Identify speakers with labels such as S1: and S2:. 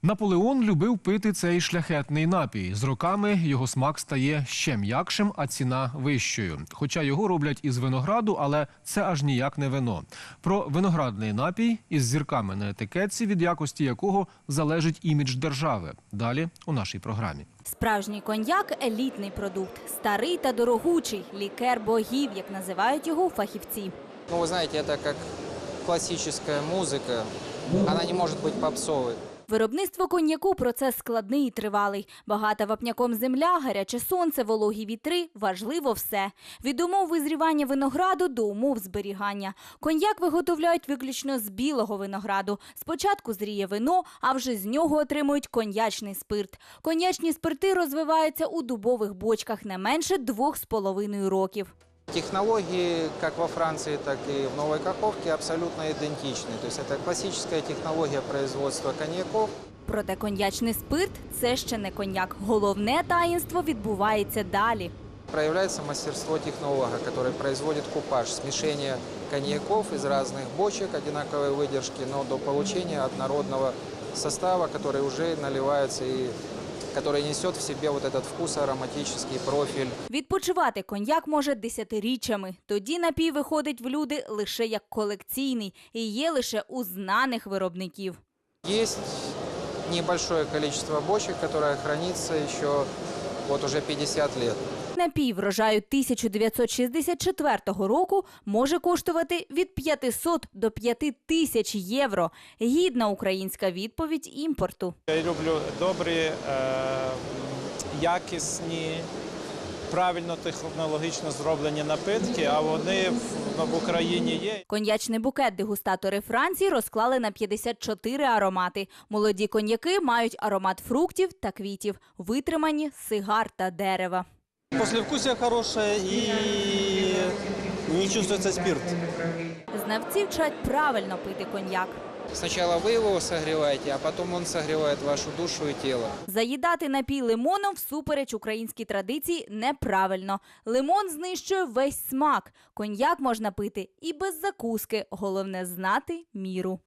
S1: Наполеон любив пити цей шляхетний напій. З роками його смак стає ще м'якшим, а ціна вищою. Хоча його роблять із винограду, але це аж ніяк не вино. Про виноградний напій із зірками на етикетці, від якості якого залежить імідж держави. Далі у нашій програмі.
S2: Справжній коньяк – елітний продукт. Старий та дорогучий. Лікер богів, як називають його фахівці.
S3: Ну, вы знаете, это как классическая музыка. Она не может быть попсовой.
S2: Виробництво коньяку – процес складний і тривалий. Багата вапняком земля, гаряче сонце, вологі вітри – важливо все. Від умов визрівання винограду до умов зберігання. Коньяк виготовляють виключно з білого винограду. Спочатку зріє вино, а вже з нього отримують коньячний спирт. Коньячні спирти розвиваються у дубових бочках не менше 2,5 років.
S3: Технологии, как во Франции, так и в Новой Каховке, абсолютно идентичны. То есть это классическая технология производства коньяков.
S2: Проте коньячний спирт – це ще не коньяк. Головне таїнство відбувається далі.
S3: Проявляется мастерство технолога, который производит купаж, смешение коньяков из разных бочек одинаковой выдержки, но до получения однородного состава, который уже наливается и который несет в себе вот этот вкус, ароматический профиль.
S2: Відпочивати коньяк може десятиріччями. Тоді напій виходить в люди лише як колекційний і є лише у знаних виробників.
S3: Есть небольшое количество бочек, которое хранится еще вот уже 50 лет.
S2: Напій врожаю 1964 року може коштувати від 500 до 5000 євро. Гідна українська відповідь імпорту.
S4: Я люблю добрі, якісні, правильно технологічно зроблені напитки, а вони в Україні є.
S2: Коньячний букет дегустатори Франції розклали на 54 аромати. Молоді коньяки мають аромат фруктів та квітів, витримані сигар та дерева.
S5: Послевкусие хорошее и не чувствуется спирт.
S2: Знавці вчать правильно пити коньяк.
S3: Сначала вы его согреваете, а потом он согревает вашу душу и тело.
S2: Заїдати напій лимоном всупереч українській традиції неправильно. Лимон знищує весь смак. Коньяк можна пити і без закуски. Головне знати міру.